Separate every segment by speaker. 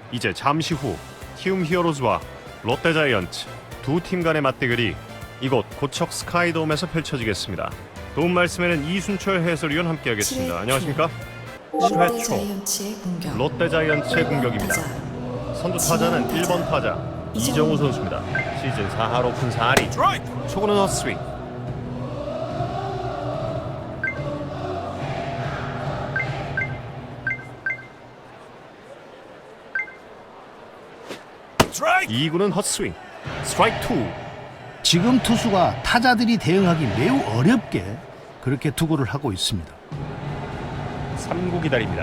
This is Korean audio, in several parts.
Speaker 1: 이제 잠시 후 키움 히어로즈와 롯데자이언츠 두 팀 간의 맞대결이 이곳 고척 스카이돔에서 펼쳐지겠습니다. 도움 말씀에는 이순철 해설위원 함께하겠습니다. 안녕하십니까? 7회 초 롯데자이언츠의 공격입니다. 선두 타자는 1번 타자 이정우 선수입니다. 시즌 4할 오픈 4리 초구는 헛스윙. 이구는 헛스윙. 스트라이크 2.
Speaker 2: 지금 투수가 타자들이 대응하기 매우 어렵게 그렇게 투구를 하고 있습니다.
Speaker 1: 3구 기다립니다.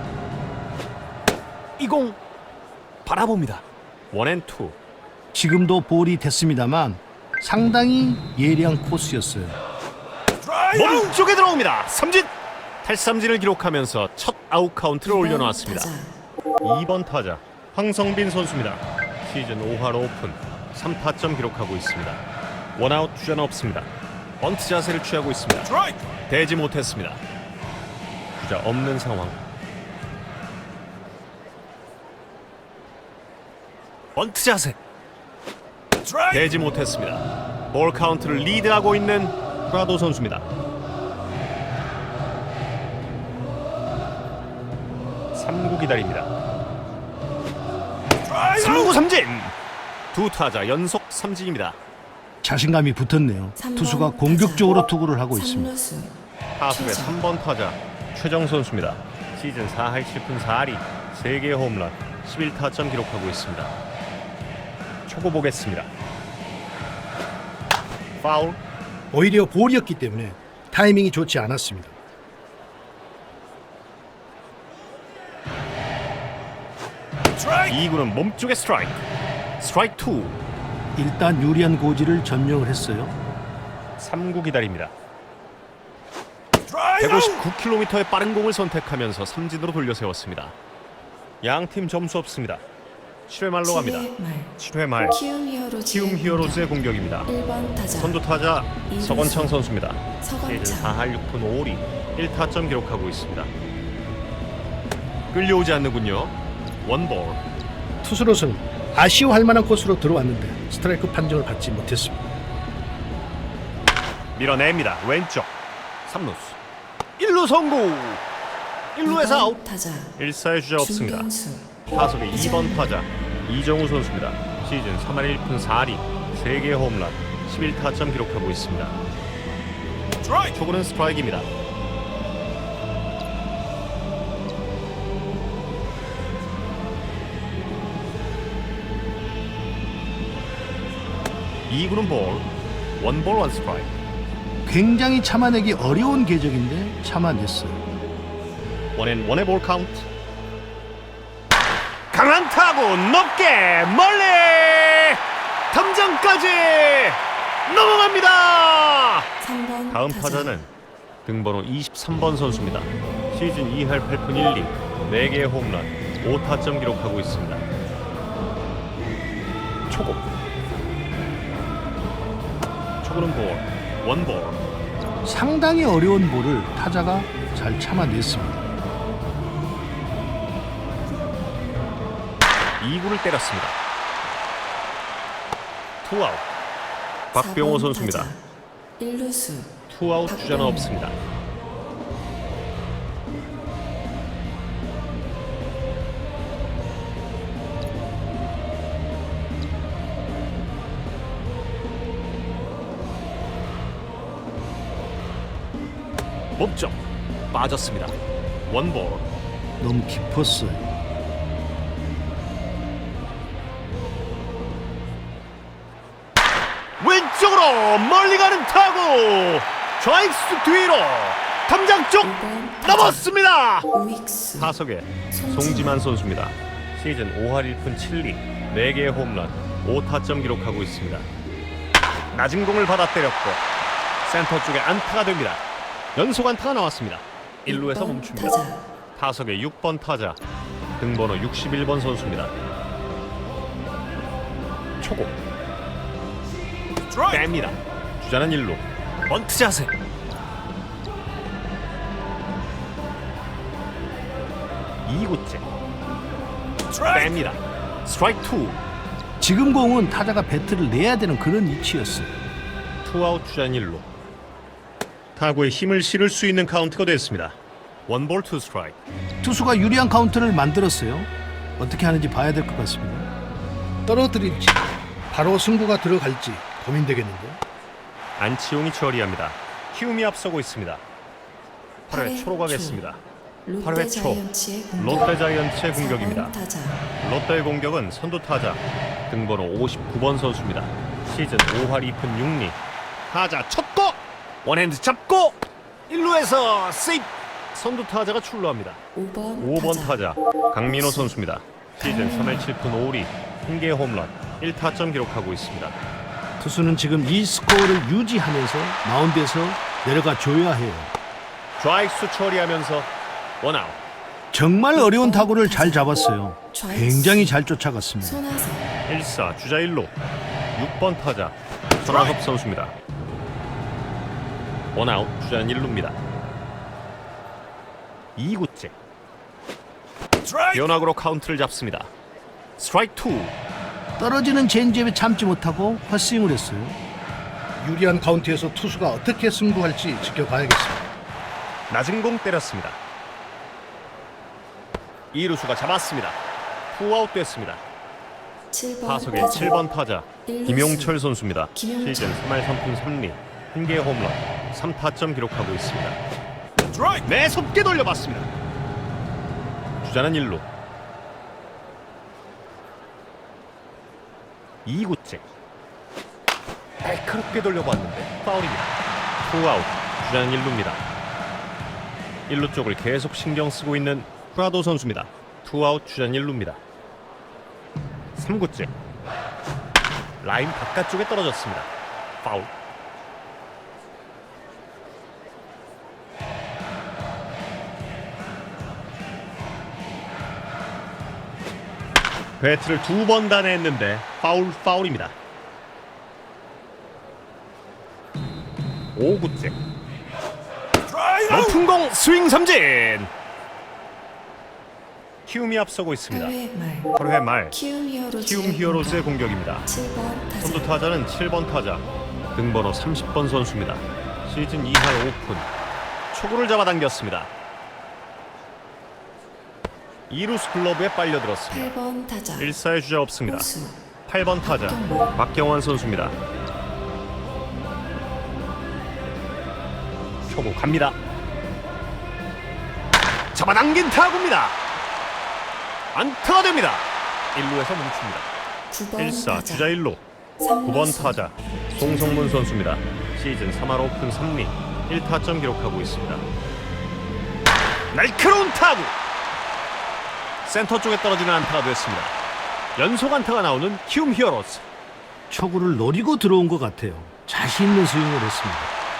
Speaker 3: 이 공 바라봅니다.
Speaker 1: 원앤투.
Speaker 2: 지금도 볼이 됐습니다만 상당히 예리한 코스였어요.
Speaker 1: 몸쪽에 들어옵니다. 삼진. 탈삼진을 기록하면서 첫 아웃 카운트를 올려놓았습니다. 2번 타자 황성빈 선수입니다. 시즌 5할 오픈 3타점 기록하고 있습니다. 원아웃 주자는 없습니다. 번트 자세를 취하고 있습니다. 대지 못했습니다. 주자 없는 상황. 번트 자세. 대지 못했습니다. 볼 카운트를 리드하고 있는 프라도 선수입니다. 3구 기다립니다. 3구 삼진. 두 타자 연속 삼진입니다.
Speaker 2: 자신감이 붙었네요. 투수가 공격적으로 투구를 하고 있습니다.
Speaker 1: 타석의 3번 타자 최정 선수입니다. 시즌 4할 7푼 4리 3개의 홈런 11타점 기록하고 있습니다. 초고 보겠습니다. 파울.
Speaker 2: 오히려 볼이었기 때문에 타이밍이 좋지 않았습니다.
Speaker 1: 이구는 몸쪽에 스트라이크. 스트라이크 2.
Speaker 2: 일단 유리한 고지를 점령을 했어요.
Speaker 1: 3구 기다립니다. 159km의 빠른 공을 선택하면서 삼진으로 돌려 세웠습니다. 양팀 점수 없습니다. 7회 말로 갑니다. 7회 말 키움 히어로즈의 공격입니다. 선두 타자 서건창 선수입니다. 시즌 4할 6푼 5리 1타점 기록하고 있습니다. 끌려오지 않는군요. 원볼.
Speaker 2: 투수로서는 아쉬워할 만한 코스로 들어왔는데 스트라이크 판정을 받지 못했습니다.
Speaker 1: 밀어냅니다. 왼쪽 3루수 1루 성공. 1루에서 아웃. 1사의 주자 없습니다. 타석의 2번 타자 이정우 선수입니다. 시즌 3할 1푼 4리 3개의 홈런 11타점 기록하고 있습니다. 초구는 스트라이크입니다. 이구는 볼. 원볼 원 스트라이크.
Speaker 2: 굉장히 참아내기 어려운 궤적인데 참아냈어요.
Speaker 1: 원앤원의 볼 카운트. 강한 타구 높게 멀리 탐장까지 넘어갑니다. 다음 타자는 등번호 23번 선수입니다. 시즌 2할 8푼 1리 4개의 홈런 5타점 기록하고 있습니다. 초구. 초구는 볼. 원볼.
Speaker 2: 상당히 어려운 볼을 타자가 잘 참아냈습니다.
Speaker 1: 2구를 때렸습니다. 투아웃. 박병호 선수입니다.
Speaker 4: 1루수
Speaker 1: 투아웃 주자는 없습니다. 몸쪽 빠졌습니다. 원볼.
Speaker 2: 너무 깊었어요.
Speaker 1: 왼쪽으로 멀리 가는 타구. 좌익수 뒤로 탐장 쪽 넘었습니다.
Speaker 4: 우익수
Speaker 1: 타석에 송지만 선수입니다. 시즌 5할 1푼 7리 4개의 홈런 5타점 기록하고 있습니다. 낮은 공을 받아 때렸고 센터 쪽에 안타가 됩니다. 연속 안타가 나왔습니다. 1루에서 멈춥니다. 타석의 6번 타자 등번호 61번 선수입니다. 초고 뺍니다. 주자는 1루. 번트 자세. 이구째 뺍니다. 스트라이크 2.
Speaker 2: 지금 공은 타자가 배트를 내야 되는 그런 위치였어요.
Speaker 1: 투아웃 주자 1루. 타구에 힘을 실을 수 있는 카운트가 됐습니다. 원볼 투 스트라이크.
Speaker 2: 투수가 유리한 카운트를 만들었어요. 어떻게 하는지 봐야 될 것 같습니다. 떨어뜨릴지 바로 승부가 들어갈지 고민되겠는데요.
Speaker 1: 안치홍이 처리합니다. 키움이 앞서고 있습니다. 8회 초로 가겠습니다. 8회 초 롯데 자이언츠의 공격입니다. 롯데의 공격은 선두 타자 등번호 59번 선수입니다. 시즌 5할 2푼 6리. 타자 쳤고 원핸드 잡고 1루에서 세이프. 선두 타자가 출루합니다. 5번 타자 강민호 선수입니다. 시즌 3할 7푼 5리 1개의 홈런 1타점 기록하고 있습니다.
Speaker 2: 투수는 지금 이 스코어를 유지하면서 마운드에서 내려가 줘야 해요.
Speaker 1: 좌익수 처리하면서 원아웃.
Speaker 2: 정말 어려운 타구를 잘 잡았어요. 굉장히 잘 쫓아갔습니다.
Speaker 4: 손아섭
Speaker 1: 1사 주자 1루 6번 타자 손아섭 선수입니다. 원아웃 주자는 1루입니다. 2구째 변화구로 카운트를 잡습니다. 스트라이크 2.
Speaker 2: 떨어지는 체인지업에 참지 못하고 헛스윙을 했어요. 유리한 카운트에서 투수가 어떻게 승부할지 지켜봐야겠습니다.
Speaker 1: 낮은 공 때렸습니다. 2루수가 잡았습니다. 투아웃 됐습니다.
Speaker 4: 7번
Speaker 1: 타석의
Speaker 4: 타자
Speaker 1: 7번 타자 김용철 선수입니다.
Speaker 4: 김용철.
Speaker 1: 시즌 3할 3푼 3리 1개의 홈런 3타점 기록하고 있습니다. 매섭게 돌려봤습니다. 주자는 1루. 2구째 날카롭게 돌려봤는데 파울입니다. 투아웃 주자는 1루입니다. 1루 쪽을 계속 신경 쓰고 있는 프라도 선수입니다. 투아웃 주자는 1루입니다. 3구째 라인 바깥쪽에 떨어졌습니다. 파울. 배트를 2번 단회했는데 파울입니다. 5구째 높은 공 스윙 삼진. 키움이 앞서고 있습니다.
Speaker 4: 8회 말
Speaker 1: 8회 말
Speaker 4: 키움
Speaker 1: 키움 히어로즈의 공격입니다.
Speaker 4: 7번 타자
Speaker 1: 선두 타자는 7번 타자 등번호 30번 선수입니다. 시즌 2할 5푼 초구를 잡아당겼습니다. 2루수 글러브에 빨려들었습니다.
Speaker 4: 8번 타자
Speaker 1: 1사의 주자 없습니다.
Speaker 4: 호수
Speaker 1: 8번 타자 박경환 선수입니다. 초구 갑니다. 잡아당긴 타구입니다. 안타가 됩니다. 1루에서 멈춥니다.
Speaker 4: 9번
Speaker 1: 1사
Speaker 4: 타자
Speaker 1: 주자 1루 9번 타자 송성문 선수입니다. 시즌 3할 5푼 3리 1타점 기록하고 있습니다. 날카로운 타구 센터 쪽에 떨어지는 안타가 됐습니다. 연속 안타가 나오는 키움 히어로즈.
Speaker 2: 초구를 노리고 들어온 것 같아요. 자신 있는 스윙을 했습니다.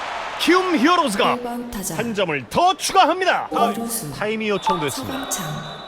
Speaker 1: 키움 히어로즈가
Speaker 4: 1번 타자
Speaker 1: 한 점을 더 추가합니다.
Speaker 4: 이루수
Speaker 1: 타임이 요청됐습니다.
Speaker 4: 서건창